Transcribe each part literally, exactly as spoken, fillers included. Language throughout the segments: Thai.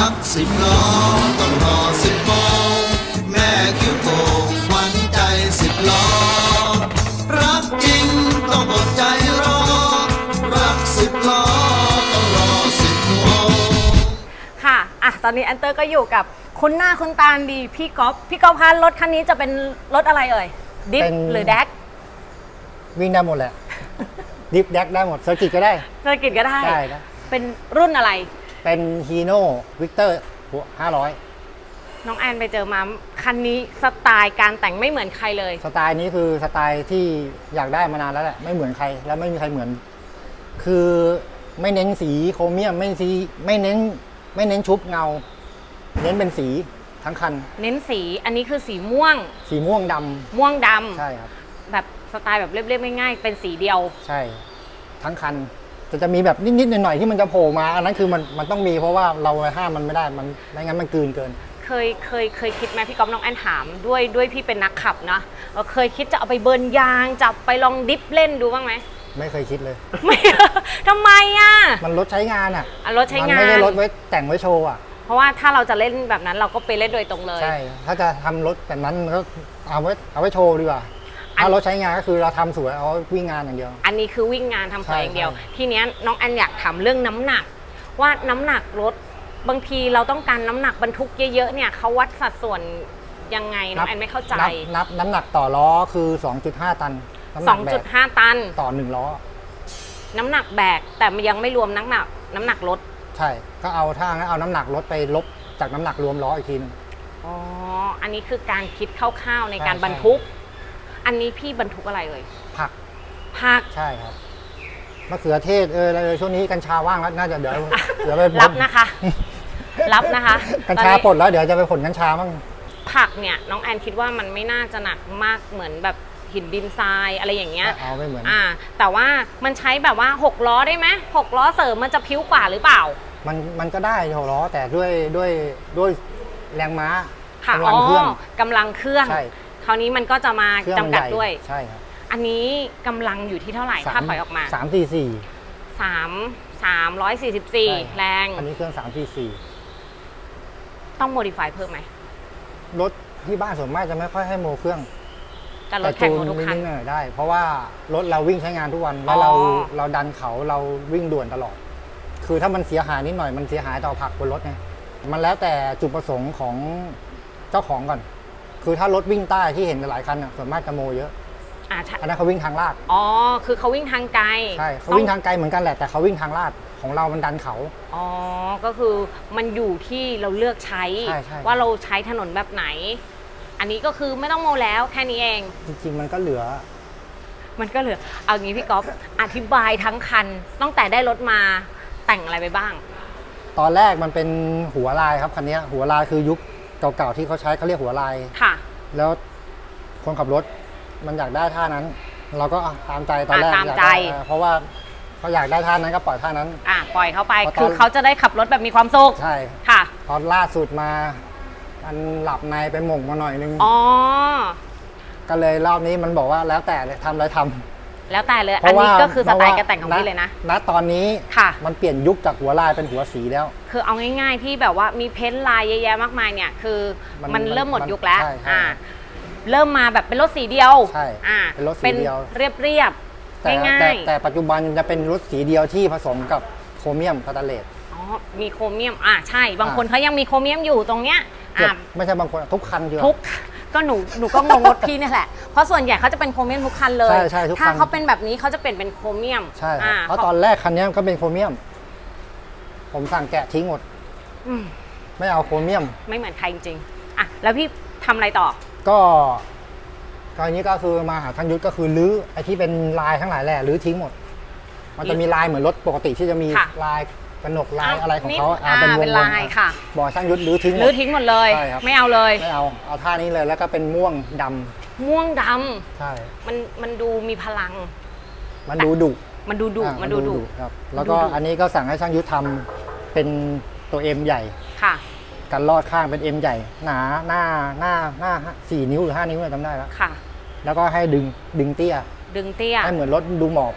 รักสิบล้อต้องรอสิบโมงแม่คิ้วโป่งขวัญใจสิบล้อรักจริงต้องอดใจรอรักสิบล้อต้องรอสิบโมงค่ะอ่ะตอนนี้แอนเตอร์ก็อยู่กับคุณหน้าคุณตาดีพี่ก๊อฟพี่ก๊อฟคะรถคันนี้จะเป็นรถอะไรเอ่ยดิฟหรือแดกวิ่งได้หมดแหละ ดิฟแดกได้หมดเซอร์กิตก็ได้เซอร์กิตก็ได้ได้นะเป็นรุ่นอะไรเป็นฮีโน่วิกเตอร์ห้าร้อยน้องแอนไปเจอมาคันนี้สไตล์การแต่งไม่เหมือนใครเลยสไตล์นี้คือสไตล์ที่อยากได้มานานแล้วแหละไม่เหมือนใครและไม่มีใครเหมือนคือไม่เน้นสีโครเมียมไม่สีไม่เน้นไม่เน้นชุบเงาเน้นเป็นสีทั้งคันเน้นสีอันนี้คือสีม่วงสีม่วงดำม่วงดำใช่ครับแบบสไตล์แบบเรียบๆง่ายๆเป็นสีเดียวใช่ทั้งคันจะจะมีแบบนิดๆหน่อยๆที่มันจะโผล่มาอันนั้นคือมันมันต้องมีเพราะว่าเราห้ามมันไม่ได้มันไม่งั้นมันกลืนเกินเคยเคยเคยคิดไหมพี่ก๊อฟน้องแอนถามด้วยด้วยพี่เป็นนักขับนะเคยคิดจะเอาไปเบิร์นยางจะไปลองดิฟเล่นดูบ้างไหมไม่เคยคิดเลยไม่ทำไมอ่ะมันรถใช้งานอ่ะรถใช้งานมันไม่ได้รถไว้แต่งไว้โชว์อ่ะเพราะว่าถ้าเราจะเล่นแบบนั้นเราก็ไปเล่นโดยตรงเลยใช่ถ้าจะทำรถแบบนั้นก็เอาไว้เอาไว้โชว์ดีกว่าถ้ารถใช้งานก็คือเราทำสวยเอาวิ่งงานอย่างเดียวอันนี้คือวิ่งงานทำสวยอย่างเดียวทีนี้น้องแอนอยากถามเรื่องน้ำหนักว่าน้ำหนักรถบางทีเราต้องการน้ำหนักบรรทุกเยอะๆเนี่ยเขาวัดสัดส่วนยังไงน้องแอนไม่เข้าใจนับน้ำหนักต่อล้อคือ สองจุดห้า ตันสองจุดห้า ตันต่อหนึ่งล้อน้ำหนักแบกแต่ยังไม่รวมน้ำหนักน้ำหนักรถใช่ก็เอาถ้างั้นเอาน้ำหนักรถไปลบจากน้ำหนักรวมล้ออีกทีนึงอ๋ออันนี้คือการคิดคร่าวๆในการบรรทุกอันนี้พี่บรรทุกอะไรเลยผักผักใช่ครับมะเขือเทศเอออะไรช่วงนี้กัญชาว่างแล้วน่าจะเดี๋ยวเดี๋ยวไปรับนะคะรับนะคะกัญชาปลดแล้วเดี๋ยวจะไปผลกัญชาบ้างผักเนี่ยน้องแอนคิดว่ามันไม่น่าจะหนักมากเหมือนแบบหินดินทรายอะไรอย่างเงี้ยเอาไม่เหมือนอ่าแต่ว่ามันใช้แบบว่าหกล้อได้ไหมหกล้อเสริมมันจะพิ้วกว่าหรือเปล่ามันมันก็ได้หกล้อแต่ด้วยด้วยด้วยแรงม้าค่ะอ๋อกำลังเครื่องคราวนี้มันก็จะมาจำกัดด้วยใช่ครับอันนี้กำลังอยู่ที่เท่าไหร่ถ้าถอยออกมาสามสี่สี่สามสามร้อยสี่สิบสี่แรงอันนี้เครื่องสามสี่สี่ต้องโมดิฟายเพิ่มไหมรถที่บ้านส่วนมากจะไม่ค่อยให้โมเครื่องแต่รถแข่งทุกคันได้เพราะว่ารถเราวิ่งใช้งานทุกวันแล้วเราเราดันเขาเราวิ่งด่วนตลอดคือถ้ามันเสียหายนิดหน่อยมันเสียหายต่อผักบนรถไงมันแล้วแต่จุดประสงค์ของเจ้าของก่อนคือถ้ารถวิ่งใต้ที่เห็นหลายคันส่วนมากจะโมเยอะอ่าอันนั้นเขาวิ่งทางลาดอ๋อคือเขาวิ่งทางไกลใช่เขาวิ่งทางไกลเหมือนกันแหละแต่เขาวิ่งทางลาดของเรามันดันเขาอ๋อก็คือมันอยู่ที่เราเลือกใช้ว่าเราใช้ถนนแบบไหนอันนี้ก็คือไม่ต้องโมแล้วแค่นี้เองจริงๆมันก็เหลือมันก็เหลือเอางี้พี่ก๊อฟอธิบายทั้งคันตั้งแต่ได้รถมาแต่งอะไรไปบ้างตอนแรกมันเป็นหัวลายครับคันนี้หัวลายคือยุคเก่าๆที่เขาใช้เขาเรียกหัวลายค่ะแล้วคนขับรถมันอยากได้ท่านั้น เราก็ตามใจตอนแรกตามใจเพราะว่าเขาอยากได้ท่านั้นก็ปล่อยท่านั้นอ่ะปล่อยเขาไปคือเขาจะได้ขับรถแบบมีความสุขใช่ค่ะตอนล่าสุดมามันหลับในไปหม่งมาหน่อยนึงอ๋อก็เลยรอบนี้มันบอกว่าแล้วแต่ทำอะไรทำแล้วแต่เลยอันนี้ก็คือสไตล์การแต่งของพี่เลยนะณตอนนี้ค่ะมันเปลี่ยนยุคจากหัวลายเป็นหัวสีแล้วคือเอาง่ายๆที่แบบว่ามีเพ้นท์ลายเยอะแยะมากมายเนี่ยคือมันเริ่มหมดยุคแล้วอ่าเริ่มมาแบบเป็นรถสีเดียวใช่อ่าเป็นรถสีเดียวเรียบเรียบง่ายๆแต่ปัจจุบันจะเป็นรถสีเดียวที่ผสมกับโครเมียมสแตนเลสอ๋อมีโครเมียมอ่าใช่บางคนเขายังมีโครเมียมอยู่ตรงเนี้ยอ่าไม่ใช่บางคนทุกคันอยู่ทุกก็หนูหนูก็งงรถพี่นี่แหละเพราะส่วนใหญ่เขาจะเป็นโครเมียมทุกคันเลยใช่ใช่ทุกคันถ้าเขาเป็นแบบนี้เขาจะเปลี่ยนเป็นโครเมียมใช่เพราะตอนแรกคันนี้ก็เป็นโครเมียมผมสั่งแกะทิ้งหมดไม่เอาโครเมียมไม่เหมือนใครจริงๆอ่ะแล้วพี่ทำอะไรต่อก็ตอนนี้ก็คือมาหาท่านยุทธก็คือรื้อไอ้ที่เป็นลายทั้งหลายแหละรื้อทิ้งหมดมันจะมีลายเหมือนรถปกติที่จะมีลายกระหนกลายอะไรของเขาเป็นวงลายค่ะบอกช่างยุทธรื้อทิ้งรื้อทิ้งหมดเลยไม่เอาเลยไม่เอาเอาท่านี้เลยแล้วก็เป็นม่วงดำม่วงดำใช่มันมันดูมีพลังมันดูดุมันดูดุมันดูดุครับแล้วก็อันนี้ก็สั่งให้ช่างยุทธทำเป็นตัวเอ็มใหญ่ค่ะกันลอดข้างเป็นเอ็มใหญ่หนาหน้าหน้าหน้าสี่นิ้วหรือห้านิ้วจำได้แล้วค่ะแล้วก็ให้ดึงดึงเตี้ยดึงเตี้ยให้เหมือนรถดูหมอบอ่ะ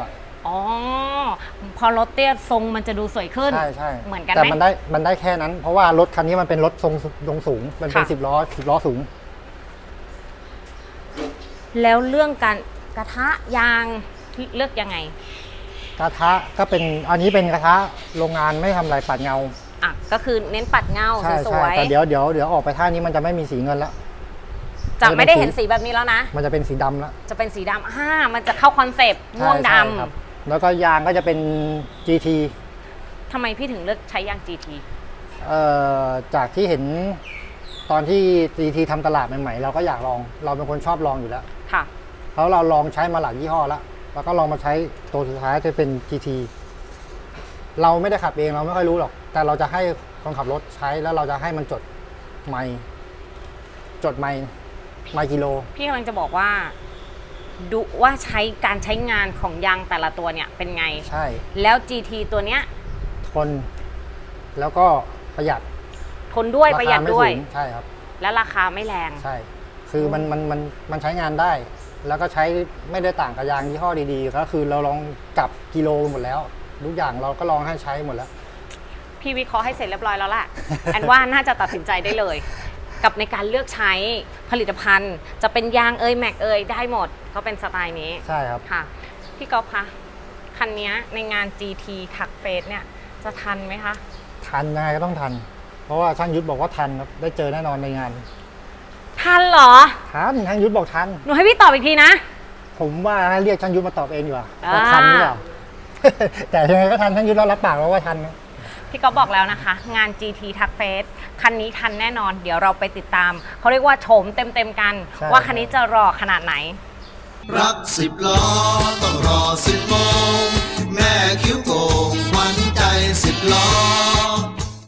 อ๋อพอรถเตี้ยทรงมันจะดูสวยขึ้นใช่ใช่เหมือนกันไหมแต่มันได้มันได้แค่นั้น เพราะว่ารถคันนี้มันเป็นรถทรงทรงสูงมันเป็นค่ะสิบล้อสิบล้อสูงแล้วเรื่องการกระทะยางเลือกยังไงกระทะก็เป็นอันนี้เป็นกระทะโรงงานไม่ทำอะไรปัดเงาอ่ะก็คือเน้นปัดเงาใช่สใช่วยแต่เดี๋ยวเดี๋ยวเดี๋ยวออกไปท่านี้มันจะไม่มีสีเงินละๆจะไม่ได้เห็นสีแบบนี้แล้วนะมันจะเป็นสีดำละจะเป็นสีดำอ่ามันจะเข้าคอนเซปต์ม่วงดใช่ใช่ครับแล้วก็ยางก็จะเป็น จี ทีำทำไมพี่ถึงเลือกใช้ยาง จี ทีเอ่อจากที่เห็นตอนที่ จี ที ทำตลาดใหม่ๆเราก็อยากลองเราเป็นคนชอบลองอยู่แล้วค่ะเพราะเราลองใช้มาหลายยี่ห้อแล้วแล้วก็ลองมาใช้ตัวสุดท้ายจะเป็น จี ที เราไม่ได้ขับเองเราไม่ค่อยรู้หรอก แต่เราจะให้คนขับรถใช้แล้วเราจะให้มันจดไมล์จดไมล์ไมล์กิโลพี่กำลังจะบอกว่าดูว่าใช้การใช้งานของยางแต่ละตัวเนี่ยเป็นไงใช่แล้ว จี ที ตัวเนี้ยทน แล้วก็ประหยัดทนด้วยราประคาหยัดไม่ด้วยสูงใช่ครับและราคาไม่แรงใช่ คือมันมันมันมันใช้งานได้ แล้วก็ใช้ไม่ได้ต่างกับยางยี่ห้อดีๆ ก็คือเราลองจับกิโลหมดแล้ว ทุกอย่างเราก็ลองให้ใช้หมดแล้วพี่วิเคราะห์ให้เสร็จเรียบร้อยแล้วแหละ แอนว่าน่าจะตัดสินใจได้เลย กับในการเลือกใช้ผลิตภัณฑ์ จะเป็นยางเอยแม็กเอยได้หมดก็เป็นสไตล์นี้ใช่ครับค่ะ พี่ก๊อฟคะคันนี้ในงาน จี ที ทักเฟสเนี่ยจะทันไหมคะทันยังไงก็ต้องทัน เพราะว่าช่างยุทธบอกว่าทันครับ ได้เจอแน่นอนในงานทันเหรอทันช่างยุทธบอกทันหนูให้พี่ตอบอีกทีนะผมว่าให้เรียกช่างยุทธมาตอบเองดีกว่าอ่าว่าทันหรือเปล่า แต่ยังไงก็ทันช่างยุทธเรารับปากแล้วว่าทันนะพี่ก๊อฟบอกแล้วนะคะ งาน จี ที ทักเฟสคันนี้ทันแน่นอน เดี๋ยวเราไปติดตาม เขาเรียกว่าโฉมเต็มๆกันใช่ว่าคันนี้จะรอขนาดไหนรักสิบล้อต้องรอสิบโมง แม่คิ้วโกงขวัญใจสิบล้อ